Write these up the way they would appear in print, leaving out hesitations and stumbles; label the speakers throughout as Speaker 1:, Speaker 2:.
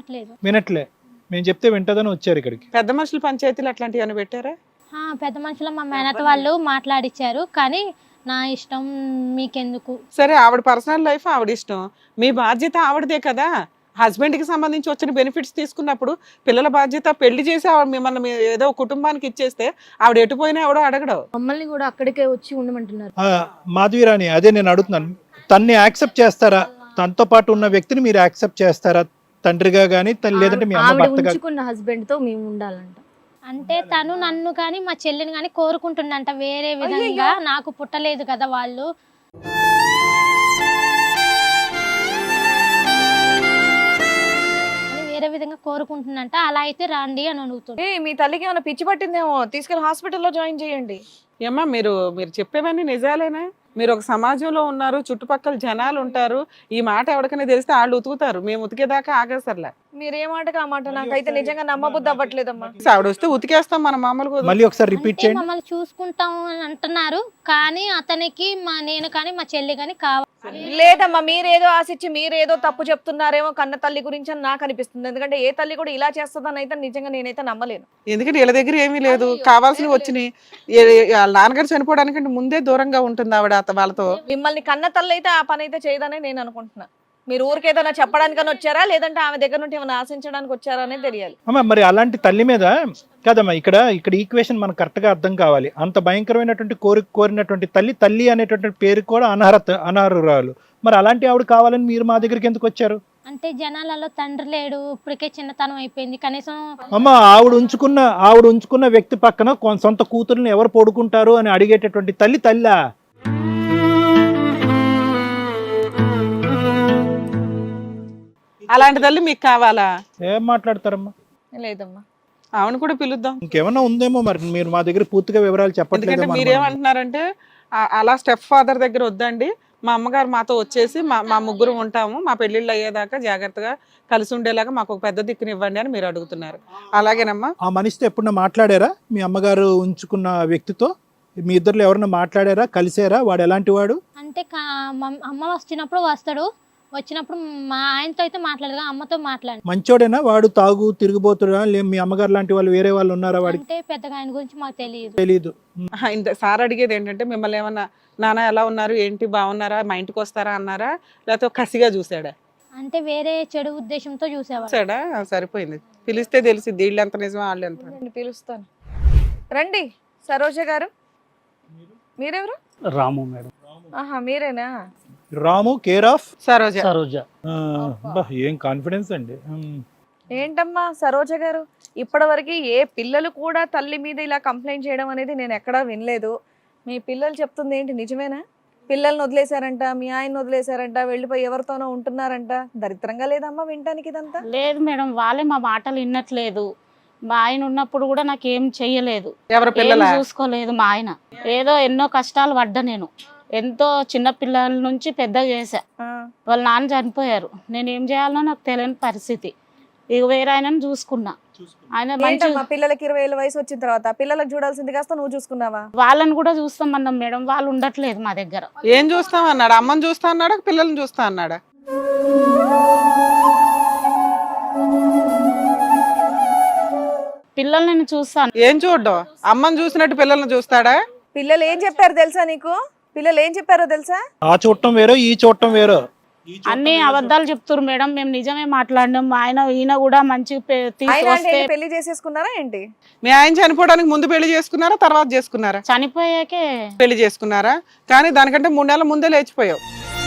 Speaker 1: వినట్లే. మేము చెప్తే వింటదని వచ్చారు ఇక్కడికి.
Speaker 2: పెద్ద మనుషుల పంచాయతీలు అట్లాంటివి ఏమైనా పెట్టారా?
Speaker 3: పెద్ద మనుషులు మా మేనత వాళ్ళు మాట్లాడిచ్చారు, కానీ నా ఇష్టం మీకెందుకు.
Speaker 2: సరే, ఆవిడ పర్సనల్ లైఫ్ ఆవిడ ఇష్టం, మీ బాధ్యత ఆవిడదే కదా. హస్బెండ్ కి సంబంధించి వచ్చిన బెనిఫిట్స్ తీసుకున్నప్పుడు పిల్లల బాధ్యత, పెళ్లి చేసి ఆవిడ మిమ్మల్ని ఏదో కుటుంబానికి ఇచ్చేస్తే ఆవిడ ఎటుపోయినా ఎవడో అడగడు.
Speaker 4: మమ్మల్ని కూడా అక్కడికే వచ్చి ఉండమంటున్నారు.
Speaker 1: మాధవీరాణి, అదే నేను అడుగుతున్నాను, తన్ని యాక్సెప్ట్ చేస్తారా? తనతో పాటు ఉన్న వ్యక్తిని మీరు యాక్సెప్ట్ చేస్తారా తండ్రిగా గానీ, లేదంటే మీ అమ్మ భర్తగా?
Speaker 4: ఉంచుకున్న హస్బెండ్ తో మేము ఉండాలంట.
Speaker 3: అంటే తను నన్ను కానీ మా చెల్లిని కానీ కోరుకుంటుండంట వేరే విధంగా. నాకు పుట్టలేదు కదా వాళ్ళు. వేరే విధంగా కోరుకుంటుందంట. అలా అయితే రండి అని అడుగుతుంది.
Speaker 5: మీ తల్లికి ఏమైనా పిచ్చి పట్టిందేమో, తీసుకెళ్లి హాస్పిటల్లో జాయిన్ చేయండి.
Speaker 2: ఏమ్మా, మీరు చెప్పేవన్నీ నిజాలేనా? మీరు ఒక సమాజంలో ఉన్నారు, చుట్టుపక్కల జనాలు ఉంటారు, ఈ మాట ఎవరికైనా తెలిస్తే వాళ్ళు ఉతుకుతారు, మేము ఉతికేదాకా ఆగసర్లే.
Speaker 5: మీరు ఏ మాటకు ఆ మాట, నాకైతే నిజంగా నమ్మబుద్ధి అవ్వట్లేదమ్మా.
Speaker 2: ఆవిడ వస్తే ఉతికేస్తాం మన మామూలుగా.
Speaker 1: మళ్ళీ ఒకసారి రిపీట్ చేయండి.
Speaker 3: మమ్మల్ని చూసుకుంటాం అని అంటున్నారు, కానీ అతనికి నేను కానీ మా చెల్లి కానీ కావాలి.
Speaker 5: లేదమ్మా, మీరేదో ఆశించి మీరేదో తప్పు చెప్తున్నారేమో కన్న తల్లి గురించి అని నాకు అనిపిస్తుంది. ఎందుకంటే ఏ తల్లి కూడా ఇలా చేస్తుందని అయితే నిజంగా నేనైతే నమ్మలేను.
Speaker 2: ఎందుకంటే వీళ్ళ దగ్గర ఏమీ లేదు, కావాల్సినవి వచ్చినాయి. వాళ్ళ నాన్నగారు చనిపోవడానికంటే ముందే దూరంగా ఉంటుంది ఆవిడ వాళ్ళతో.
Speaker 5: మిమ్మల్ని కన్న తల్లి అయితే ఆ పని అయితే చేయదని నేను అనుకుంటున్నా. మీరు ఊరికేదైనా చెప్పడానికని వచ్చారా, లేదంటే ఆమె దగ్గర నుండి ఏమైనా ఆశించడానికి వచ్చారా అనేది తెలియాలి.
Speaker 1: అమ్మా, మరి అలాంటి తల్లి మీద కదమ్మా ఇక్కడ ఈక్వేషన్ మనకు కరెక్ట్ గా అర్థం కావాలి. అంత భయంకరమైనటువంటి కోరినటువంటి తల్లి అనేటువంటి పేరు కూడా అనర్హురాలు. మరి అలాంటి ఆవిడ కావాలని మీరు మా దగ్గరికి ఎందుకు వచ్చారు?
Speaker 3: అంటే జనాలలో తండ్రి లేడు, ఇప్పటికే చిన్నతనం అయిపోయింది, కనీసం.
Speaker 1: అమ్మ, ఆవిడ ఉంచుకున్న వ్యక్తి పక్కన సొంత కూతుర్ని ఎవరు పడుకుంటారు అని అడిగేటటువంటి తల్లా?
Speaker 2: అలాంటి తల్లి మీకు కావాలా?
Speaker 1: ఏం మాట్లాడతారమ్మా?
Speaker 5: లేదమ్మా,
Speaker 2: ఆవిడ కూడా పిలుద్దాం.
Speaker 1: ఇంకేమన్నా ఉందేమో, మరి మీరు మా దగ్గర పూర్తిగా వివరాలు చెప్పట్లేదు.
Speaker 2: మీరేమంటున్నారంటే అలా స్టెప్ ఫాదర్ దగ్గర వద్దండి, మా అమ్మగారు మాతో వచ్చేసి మా ముగ్గురు ఉంటాము, మా పెళ్లిళ్ళు అయ్యేదాకా జాగ్రత్తగా కలిసి ఉండేలాగా మాకు ఒక పెద్ద దిక్కునివ్వండి అని మీరు అడుగుతున్నారు. అలాగేనమ్మా.
Speaker 1: ఆ మనిషితో ఎప్పుడన్నా మాట్లాడారా? మీ అమ్మగారు ఉంచుకున్న వ్యక్తితో మీ ఇద్దరు ఎవరన్నా మాట్లాడారా? కలిసారా? వాడు ఎలాంటి వాడు?
Speaker 3: అంటే అమ్మ వచ్చినప్పుడు వచ్చినప్పుడు మా ఆయనతో అయితే మాట్లాడదు, అమ్మతో మాట్లాడు.
Speaker 1: మంచోడేనా వాడు? తాగు తిరిగిపోతుడా? మీ అమ్మగారు లాంటి వాళ్ళు వేరే వాళ్ళు ఉన్నారా వాడికి?
Speaker 3: అంటే పెద్దగా ఆయన గురించి మాకు
Speaker 1: తెలియదు.
Speaker 2: సార్ అడిగేది ఏంటంటే, మిమ్మల్ని ఏమన్నా నాన్న ఎలా ఉన్నారు, ఏంటి, బాగున్నారా, మా ఇంటికి వస్తారా అన్నారా, లేకపోతే కసిగా చూసాడా?
Speaker 3: అంటే వేరే చెడు ఉద్దేశంతో
Speaker 2: చూసాడా? సరిపోయింది, పిలిస్తే తెలిసింది వీళ్ళు ఎంత నిజమో వాళ్ళు ఎంత.
Speaker 5: పిలుస్తాను, రండి. సరోజ గారు, మీరెవరు?
Speaker 6: రాము మేడం.
Speaker 5: ఆహా, మీరేనా?
Speaker 1: Ramu care of
Speaker 2: Saroja.
Speaker 1: ఏం కాన్ఫిడెన్స్ అండి.
Speaker 5: ఏంటమ్మా సరోజ గారు, ఇప్పటివరకు ఏ పిల్లలు కూడా తల్లి మీద ఇలా కంప్లైంట్ చేయడం అనేది నేను ఎక్కడా వినలేదు. మీ పిల్లలు చెప్తుంది ఏంటి, నిజమేనా? పిల్లల్ని వదిలేశారంట, మీ ఆయన వదిలేశారంట, వెళ్ళిపోయి ఎవరితోనో ఉంటున్నారంట. దరిద్రంగా లేదమ్మా వినటానికి ఇదంతా?
Speaker 7: లేదు మేడం, వాళ్ళే మా మాటలు వినట్లేదు. మా ఆయన ఉన్నప్పుడు కూడా నాకేం చెయ్యలేదు, చూసుకోలేదు. మా ఆయన ఏదో ఎన్నో కష్టాలు పడ్డా, నేను ఎంతో చిన్న పిల్లల నుంచి పెద్ద చేశా. వాళ్ళ నాన్న చనిపోయారు, నేను ఏం చేయాలనో నాకు తెలియని పరిస్థితి. ఇక వేరే ఆయనను చూసుకున్నా. ఆయన
Speaker 5: పిల్లలకి 20 ఏళ్ళ వయసు వచ్చిన తర్వాత పిల్లలకు చూడాల్సింది కాస్త నువ్వు చూసుకున్నావా?
Speaker 7: వాళ్ళని కూడా చూస్తామన్నాం మేడం, వాళ్ళు ఉండట్లేదు మా దగ్గర.
Speaker 2: ఏం చూస్తాం అన్నాడు? అమ్మని చూస్తా అన్నాడా, పిల్లల్ని చూస్తా అన్నాడా?
Speaker 7: పిల్లల్ని చూస్తాను.
Speaker 2: ఏం చూడ్డం? అమ్మని చూసినట్టు పిల్లల్ని చూస్తాడా?
Speaker 5: పిల్లలు ఏం చెప్పారు తెలుసా నీకు? పిల్లలు ఏం చెప్పారో తెలుసా?
Speaker 1: ఆ చూడటం వేరో, ఈ చూడటం వేరో.
Speaker 7: అన్ని అబద్ధాలు చెప్తారు మేడం, మేము నిజమే మాట్లాడినాం. ఈయన కూడా మంచి
Speaker 5: పెళ్లి చేసేసుకున్నారా ఏంటి?
Speaker 2: మీ ఆయన చనిపోవడానికి ముందు పెళ్లి చేసుకున్నారా, తర్వాత చేసుకున్నారా?
Speaker 7: చనిపోయాకే
Speaker 2: పెళ్లి చేసుకున్నారా, కానీ దానికంటే 3 నెలల ముందే లేచిపోయావు.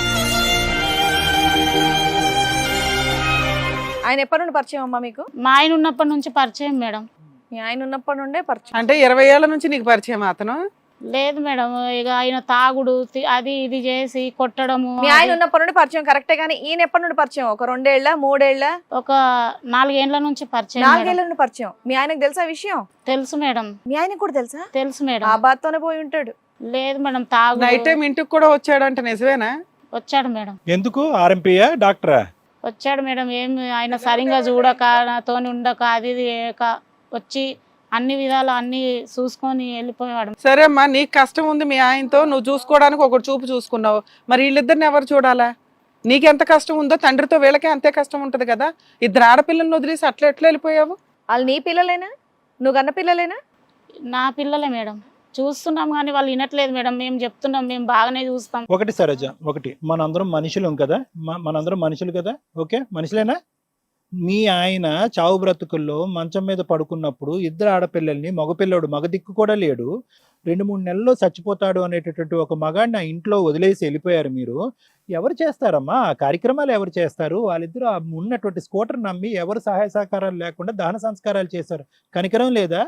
Speaker 5: ఆయన ఎప్పటి నుండి పరిచయం అమ్మా మీకు?
Speaker 7: మా ఆయన ఉన్నప్పటి నుంచి పరిచయం మేడం.
Speaker 5: మీ ఆయన ఉన్నప్పటి నుండే పరిచయం
Speaker 2: అంటే 20 ఏళ్ల నుంచి నీకు పరిచయం అతను?
Speaker 7: లేదు మేడం, ఇక ఆయన తాగుడు అది ఇది చేసి కొట్టడము.
Speaker 5: మీ ఆయన ఉన్నప్పటి నుండి పరిచయం కరెక్టే, కానీ ఈయన ఎప్పటి నుండి పరిచయం? ఒక 2 ఏళ్ళ 3 ఏళ్ళ?
Speaker 7: ఒక 4 ఏళ్ల నుంచి పరిచయం.
Speaker 5: 4 ఏళ్ల నుండి పరిచయం. మీ ఆయనకు తెలుసా విషయం?
Speaker 7: తెలుసు మేడం.
Speaker 5: మీ ఆయనకు కూడా తెలుసా?
Speaker 7: తెలుసు మేడం.
Speaker 5: ఆ బాత్తోనే పోయి ఉంటాడు.
Speaker 7: లేదు మేడం, తాగు.
Speaker 2: నైట్ టైం ఇంటికి కూడా వచ్చాడంట, నిజమేనా?
Speaker 7: వచ్చాడు మేడం.
Speaker 1: ఎందుకు? ఆర్ఎంపీయా, డాక్టరా?
Speaker 7: వచ్చాడు మేడం. ఏం ఆయన సరిగ్గా చూడక, నాతోని ఉండక, అది వచ్చి అన్ని విధాలు అన్ని చూసుకొని వెళ్ళిపోయాడు.
Speaker 2: సరే అమ్మా, నీకు కష్టం ఉంది మీ ఆయనతో, నువ్వు చూసుకోవడానికి ఒకటి చూపు చూసుకున్నావు, మరి వీళ్ళిద్దరిని ఎవరు చూడాలా? నీకెంత కష్టం ఉందో తండ్రితో వీళ్ళకే అంతే కష్టం ఉంటది కదా. ఇద్దరు ఆడపిల్లల్ని వదిలేసి అట్లా ఎట్లా వెళ్ళిపోయావు?
Speaker 5: వాళ్ళు నీ పిల్లలేనా? నువ్వు కన్న పిల్లలేనా?
Speaker 7: నా పిల్లలే మేడం. చూస్తున్నాం కానీ వాళ్ళు వినట్లేదు మేడం. మేము చెప్తున్నాం, మేము బాగానే చూస్తాం.
Speaker 1: ఒకటి సరోజ, ఒకటి మనందరం మనుషులం కదా, మనందరం మనుషులు కదా, ఓకే మనుషులేనా? మీ ఆయన చావు బ్రతుకుల్లో మంచం మీద పడుకున్నప్పుడు ఇద్దరు ఆడపిల్లల్ని, మగపిల్లడు మగ దిక్కు కూడా లేడు, 2-3 నెలల్లో చచ్చిపోతాడు అనేటటువంటి ఒక మగాడిని ఆ ఇంట్లో వదిలేసి వెళ్ళిపోయారు మీరు. ఎవరు చేస్తారమ్మా ఆ కార్యక్రమాలు? ఎవరు చేస్తారు? వాళ్ళిద్దరూ ఆ ఉన్నటువంటి స్కూటర్ నమ్మి ఎవరు సహాయ సహకారాలు లేకుండా దహన సంస్కారాలు చేశారు. కనికరం లేదా?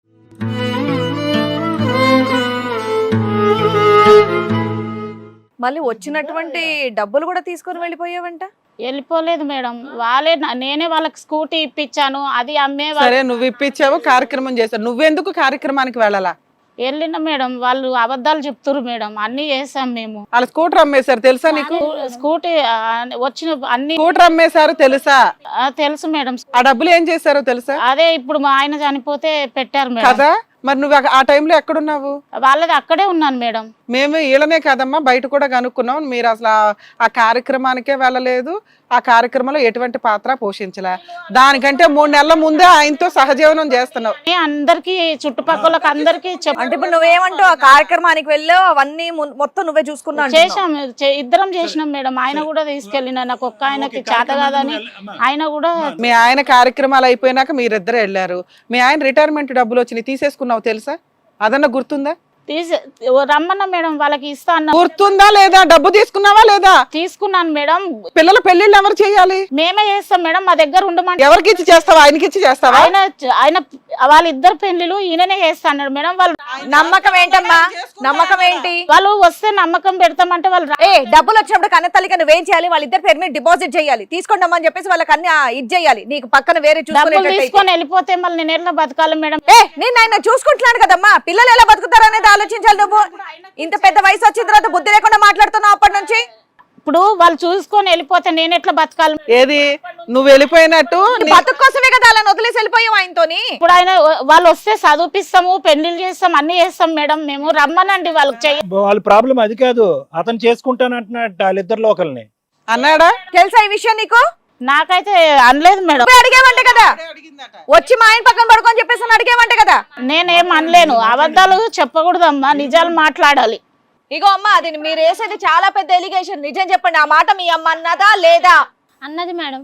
Speaker 5: మళ్ళీ వచ్చినటువంటి డబ్బులు కూడా తీసుకొని వెళ్ళిపోయావంట.
Speaker 7: వెళ్ళిపోలేదు మేడం. వాళ్ళే నేనే వాళ్ళకి స్కూటీ ఇప్పించాను, అది అమ్మే
Speaker 2: సరే నువ్వు ఇప్పించావు, కార్యక్రమం చేశావు, నువ్వెందుకు కార్యక్రమానికి వెళ్ళాలా?
Speaker 7: వెళ్ళిన మేడం. వాళ్ళు అబద్ధాలు చెప్తున్నారు మేడం. అన్ని చేసాం మేము.
Speaker 2: వాళ్ళ స్కూటర్ అమ్మేశారు తెలుసా నీకు?
Speaker 7: స్కూటీ వచ్చిన అన్ని
Speaker 2: స్కూటర్ అమ్మేశారు తెలుసా?
Speaker 7: తెలుసు మేడం.
Speaker 2: ఆ డబ్బులు ఏం చేశారో తెలుసా?
Speaker 7: అదే ఇప్పుడు మా ఆయన చనిపోతే పెట్టారు మేడం.
Speaker 2: కదా మరి నువ్వు ఆ టైంలో ఎక్కడున్నావు?
Speaker 7: వాళ్ళది అక్కడే ఉన్నాను మేడం.
Speaker 2: మేము వీళ్ళనే కదమ్మా బయట కూడా కనుక్కున్నాం. మీరు అసలు ఆ కార్యక్రమానికే వెళ్ళలేదు, ఆ కార్యక్రమంలో ఎటువంటి పాత్ర పోషించలే. దానికంటే 3 నెలల ముందే ఆయనతో సహజీవనం చేస్తున్నావు.
Speaker 7: అందరికి చుట్టుపక్కల అందరికి
Speaker 5: అంటే ఇప్పుడు నువ్వేమంటావు? ఆ కార్యక్రమానికి వెళ్ళావు, అవన్నీ మొత్తం నువ్వే చూసుకున్నావు.
Speaker 7: చేసాం, ఇద్దరం చేసినాం మేడం. ఆయన కూడా తీసుకెళ్ళిన, నాకు ఒక్క ఆయనకి చేత కాదని ఆయన కూడా.
Speaker 2: మీ ఆయన కార్యక్రమాలు అయిపోయినాక మీరిద్దరు వెళ్ళారు. మీ ఆయన రిటైర్మెంట్ డబ్బులు వచ్చినాయి, తీసేసుకున్నావు తెలుసా? అదన్నా గుర్తుందా?
Speaker 7: రమ్మన్నా మేడం, వాళ్ళకి ఇస్తా అన్న.
Speaker 2: గుర్తుందా లేదా? డబ్బు తీసుకున్నావా లేదా?
Speaker 7: తీసుకున్నాను మేడం.
Speaker 2: పిల్లల పెళ్లిళ్ళు ఎవరు చేయాలి?
Speaker 7: మేమే చేస్తాం మేడం. మా దగ్గర ఉండమంటే.
Speaker 2: ఎవరికి ఇచ్చి చేస్తావా? ఆయనకి ఇచ్చి చేస్తావా?
Speaker 7: ఆయన వాళ్ళిద్దరు పెళ్లిలు ఈయననే చేస్తా అన్నాడు మేడం. వాళ్ళు
Speaker 5: నమ్మకం ఏంటమ్మా? నమ్మకం ఏంటి?
Speaker 7: వాళ్ళు వస్తే నమ్మకం పెడతామంటే వాళ్ళు
Speaker 5: డబ్బులు వచ్చినప్పుడు కన్న తల్లికి నువ్వేం చేయాలి? వాళ్ళిద్దరు పేరు మీద డిపాజిట్ చేయాలి, తీసుకోండి అని చెప్పేసి వాళ్ళకి అన్ని ఇది చేయాలి. నీకు పక్కన వేరే
Speaker 7: డబ్బులు తీసుకొని వెళ్ళిపోతే మళ్ళీ నేను ఎట్లా బతకాలి మేడం?
Speaker 5: నేను ఆయన చూసుకుంటున్నాను కదమ్మా, పిల్లలు ఎలా బతుకుతారు అనేది ఆలోచించాలి. నువ్వు ఇంత పెద్ద వయసు వచ్చిన తర్వాత బుద్ధి లేకుండా మాట్లాడుతున్నావు అప్పటి నుంచి.
Speaker 7: ఇప్పుడు వాళ్ళు చూసుకొని వెళ్ళిపోతే నేను ఎట్లా బతకాలి?
Speaker 2: ఏది నువ్వు వెళ్ళిపోయినట్టు
Speaker 5: బతుకు కోసమే కదా అలా వదిలేసి వెళ్ళిపోయావు ఆయనతోని.
Speaker 7: ఇప్పుడు ఆయన వాళ్ళు వస్తే చదివిపిస్తాము, పెళ్లిళ్ళు చేస్తాం, అన్ని చేస్తాం మేడం. మేము రమ్మనండి వాళ్ళకి.
Speaker 1: వాళ్ళ ప్రాబ్లం అది కాదు, అతను చేసుకుంటానంటున్నట్టు వాళ్ళిద్దరిలో ఒకరిని
Speaker 2: అన్నాడా?
Speaker 5: తెలుసా ఈ విషయం నీకు?
Speaker 7: నాకైతే అనలేదు మేడం.
Speaker 5: అడిగేవంటే కదా, వచ్చి మా ఆయన పక్కన పడుకొని చెప్పేసి అడిగేవంటే కదా.
Speaker 7: నేనేం అనలేను. అబద్ధాలు చెప్పకూడదమ్మా, నిజాలు మాట్లాడాలి.
Speaker 5: ఇగో అమ్మా, అది మీరు వేసేది చాలా పెద్ద ఎలిగేషన్. నిజం చెప్పండి, ఆ మాట మీ అమ్మ అన్నదా లేదా?
Speaker 3: అన్నది మేడం.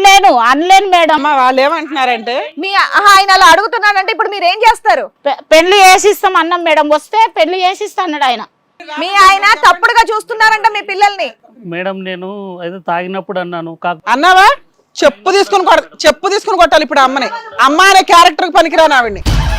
Speaker 7: అనలేను మేడం.
Speaker 2: వాళ్ళు ఏమంటున్నారంటే
Speaker 5: మీ ఆయన అలా అడుగుతున్నాడంటే ఇప్పుడు మీరు ఏం చేస్తారు?
Speaker 7: పెళ్లి చేసిస్తాం అన్నాం మేడం. వస్తే పెళ్లి చేసిస్తా అన్నాడు ఆయన.
Speaker 5: మీ ఆయన తప్పుడుగా చూస్తున్నారంట మీ పిల్లల్ని.
Speaker 6: మేడం నేను ఏదో తాగినప్పుడు అన్నాను.
Speaker 2: అన్నావా? చెప్పు తీసుకుని కొట్టాలి ఇప్పుడు అమ్మని. అమ్మ అనే క్యారెక్టర్ పనికిరాను ఆవిడ్ని.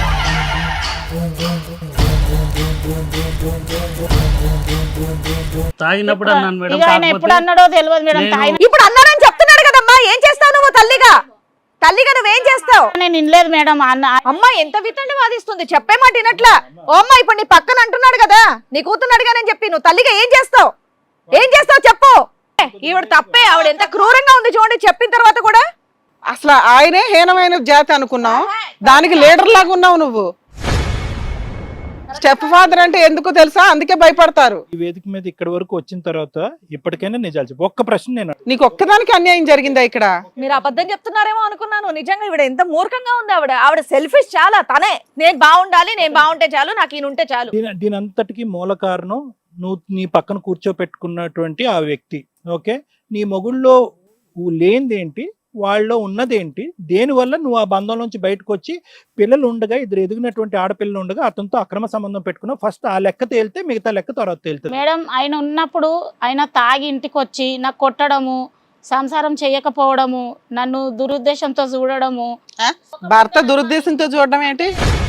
Speaker 6: తాగినప్పుడు అన్నాను మేడం.
Speaker 7: ఆయన ఎప్పుడు అన్నాడో తెలియదు మేడం.
Speaker 5: ఇప్పుడు అన్నారని చెప్తున్నాడు కదమ్మా, ఏం చేస్తావు నువ్వు? తల్లిగా నువ్వేం చేస్తావు?
Speaker 7: నేను వినలేదు మేడం.
Speaker 5: అమ్మ ఎంత వితండి వాదిస్తుంది, చెప్పే మాట వినట్లా. ఓ అమ్మ, ఇప్పుడు నీ పక్కన అంటున్నాడు కదా, నీ కూతురు అడిగానని చెప్పి నువ్వు తల్లిగా ఏం చేస్తావు చెప్పు. ఈవిడ తప్పే, ఆవిడ ఎంత క్రూరంగా ఉంది చూడండి చెప్పిన తర్వాత కూడా.
Speaker 2: అసలు ఆయనే హీనమైన జాతి అనుకున్నావు, దానికి లీడర్ లాగా ఉన్నావు నువ్వు. స్టెప్ ఫాదర్ అంటే ఎందుకు తెలుసా? అందుకే భయపడతారు.
Speaker 1: ఈ వేదిక మీద ఇక్కడి వరకు వచ్చిన తర్వాత ఇప్పటికైనా నిజాలు చెప్పు. ఒక్క ప్రశ్న నేను
Speaker 2: నీకు ఒక్కదానికి అన్యాయం జరిగిందా ఇక్కడ?
Speaker 5: మీరు అబద్ధం చెప్తున్నారేమో అనుకున్నాను. నిజంగా ఈవిడ ఎంత మూర్ఖంగా ఉంది. ఆవిడ సెల్ఫిష్ చాలా. తనే నేను బాగుండాలి, నేను బాగుంటే చాలు, నాకు ఈయన ఉంటే చాలు.
Speaker 1: దీని అంతటికి మూల కారణం నువ్వు నీ పక్కన కూర్చోపెట్టుకున్నటువంటి ఆ వ్యక్తి. ఓకే, నీ మొగుళ్ళో లేనిదేంటి, వాళ్ళలో ఉన్నదేంటి, దేనివల్ల నువ్వు ఆ బంధం నుంచి బయటకు వచ్చి పిల్లలు ఉండగా, ఇద్దరు ఎదిగినటువంటి ఆడపిల్లలు ఉండగా అతనితో అక్రమ సంబంధం పెట్టుకున్నావు. ఫస్ట్ ఆ లెక్క తేలితే మిగతా లెక్క తర్వాత తేలుతుంది
Speaker 7: మేడం. ఆయన ఉన్నప్పుడు ఆయన తాగి ఇంటికి వచ్చి నాకు కొట్టడము, సంసారం చేయకపోవడము, నన్ను దురుద్దేశంతో చూడడము.
Speaker 2: భర్త దురుద్దేశంతో చూడడం ఏంటి?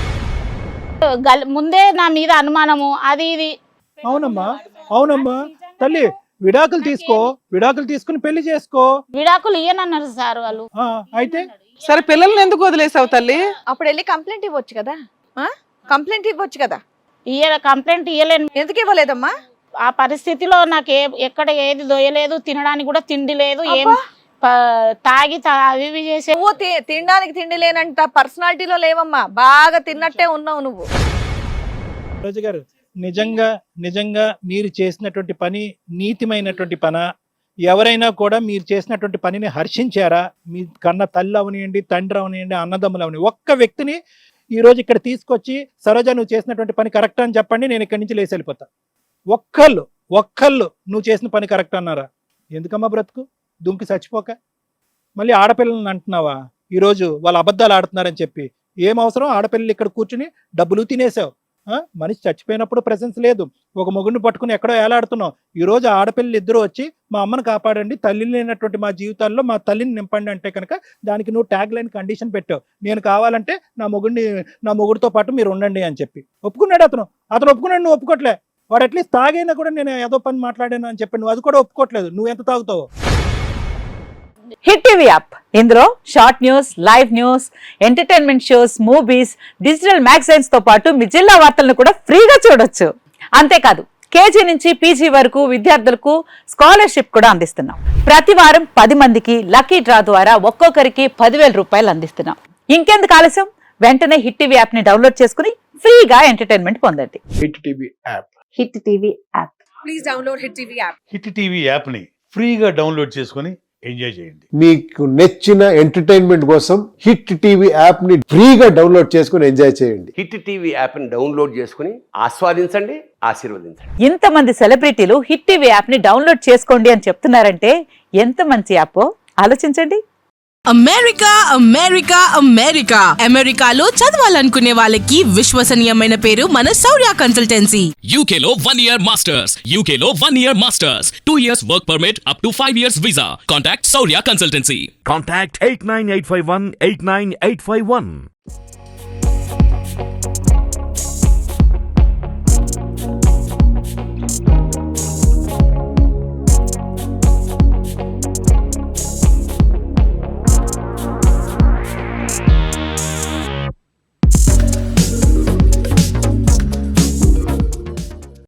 Speaker 7: ముందే నా మీద అనుమానము, అది ఇది.
Speaker 1: అవునమ్మా తల్లి, విడాకులు తీసుకుని పెళ్లి చేసుకో.
Speaker 7: విడాకులు ఇయ్యనన్నారు సార్ వాళ్ళు.
Speaker 1: అయితే
Speaker 2: సరే పిల్లల్ని ఎందుకు వదిలేసావు తల్లి?
Speaker 5: అప్పుడు వెళ్ళి కంప్లైంట్ ఇవ్వచ్చు కదా.
Speaker 7: కంప్లైంట్ ఇయ్యలేను.
Speaker 5: ఎందుకు ఇవ్వలేదమ్మా?
Speaker 7: ఆ పరిస్థితిలో నాకు ఎక్కడ ఏది దొయ్యలేదు, తినడానికి కూడా తిండి లేదు, ఏం తాగి అవి ఇవి చేసే.
Speaker 5: నువ్వు తినడానికి తిండి లేనంట పర్సనాలిటీలో లేవమ్మా, బాగా తిన్నట్టే ఉన్నావు నువ్వు.
Speaker 1: రోజు గారు, నిజంగా మీరు చేసినటువంటి పని నీతిమైనటువంటి పనా, ఎవరైనా కూడా మీరు చేసినటువంటి పనిని హర్షించారా? మీ కన్న తల్లి అవనియండి, తండ్రి అవనియండి, అన్నదమ్ములు అవనివ్వండి, ఒక్క వ్యక్తిని ఈరోజు ఇక్కడ తీసుకొచ్చి సరోజ నువ్వు చేసినటువంటి పని కరెక్ట్ అని చెప్పండి, నేను ఇక్కడి నుంచి లేచి వెళ్ళిపోతా. ఒక్కళ్ళు నువ్వు చేసిన పని కరెక్ట్ అన్నారా? ఎందుకమ్మా బ్రతుకు దుంకి చచ్చిపోక మళ్ళీ ఆడపిల్లలను అంటున్నావా? ఈరోజు వాళ్ళు అబద్ధాలు ఆడుతున్నారని చెప్పి ఏం అవసరం? ఆడపిల్లలు ఇక్కడ కూర్చుని డబ్బులు తినేసావు. మనిషి చచ్చిపోయినప్పుడు ప్రెసెన్స్ లేదు, ఒక మొగుడిని పట్టుకుని ఎక్కడో ఏలాడుతున్నావు. ఈరోజు ఆడపిల్లలు ఇద్దరు వచ్చి మా అమ్మను కాపాడండి, తల్లి లేనటువంటి మా జీవితాల్లో మా తల్లిని నింపండి అంటే కనుక దానికి నువ్వు ట్యాగ్ లైన్ కండిషన్ పెట్టావు, నేను కావాలంటే నా మొగుడితో పాటు మీరు ఉండండి అని చెప్పి. ఒప్పుకున్నాడు అతను ఒప్పుకున్నాడు, నువ్వు ఒప్పుకోవట్లే. వాడు అట్లీస్ట్ తాగైనా కూడా నేను ఏదో పని మాట్లాడాను అని చెప్పి నువ్వు అది కూడా ఒప్పుకోవట్లేదు. నువ్వు ఎంత తాగుతావు?
Speaker 8: హిట్ టీవీ యాప్, ఇందులో short news, live news, entertainment shows, movies, digital magazines తో పాటు మీ జిల్లా వార్తలను కూడా ఫ్రీగా చూడొచ్చు. అంతేకాదు కేజీ నుంచి పీజీ వరకు విద్యార్థులకు స్కాలర్షిప్ కూడా అందిస్తున్నాం. ప్రతి వారం 10 మందికి లక్కీ డ్రా ద్వారా ఒక్కొక్కరికి 10,000 రూపాయలు అందిస్తున్నాం. ఇంకెందుకు ఆలస్యం, వెంటనే హిట్ టీవీ యాప్ ని డౌన్లోడ్ చేసుకుని ఫ్రీగా ఎంటర్టైన్మెంట్ పొందండి.
Speaker 9: Hit TV app.
Speaker 8: Hit TV app.
Speaker 5: Please download hit TV app.
Speaker 10: Hit TV యాప్ని ఫ్రీగా డౌన్లోడ్ చేసుకొని ఎంజాయ్ చేయండి.
Speaker 9: మీకు నచ్చిన ఎంటర్టైన్మెంట్ కోసం హిట్ టీవీ యాప్ ని ఫ్రీగా డౌన్లోడ్ చేసుకుని ఎంజాయ్ చేయండి.
Speaker 11: హిట్ టీవీ యాప్ ని డౌన్లోడ్ చేసుకుని ఆస్వాదించండి, ఆశీర్వదించండి.
Speaker 8: ఇంతమంది సెలబ్రిటీలు హిట్ టీవీ యాప్ ని డౌన్లోడ్ చేసుకోండి అని చెప్తున్నారంటే ఎంత మంచి యాప్ ఆలోచించండి.
Speaker 12: అమెరికాలో చదవాలనుకునే వాళ్ళకి విశ్వసనీయమైన పేరు మన శౌర్య కన్సల్టెన్సీ.
Speaker 13: UKలో 1 year masters, 2 years work permit up to 5 years visa. Contact Saurya Consultancy.
Speaker 14: Contact 89851 89851.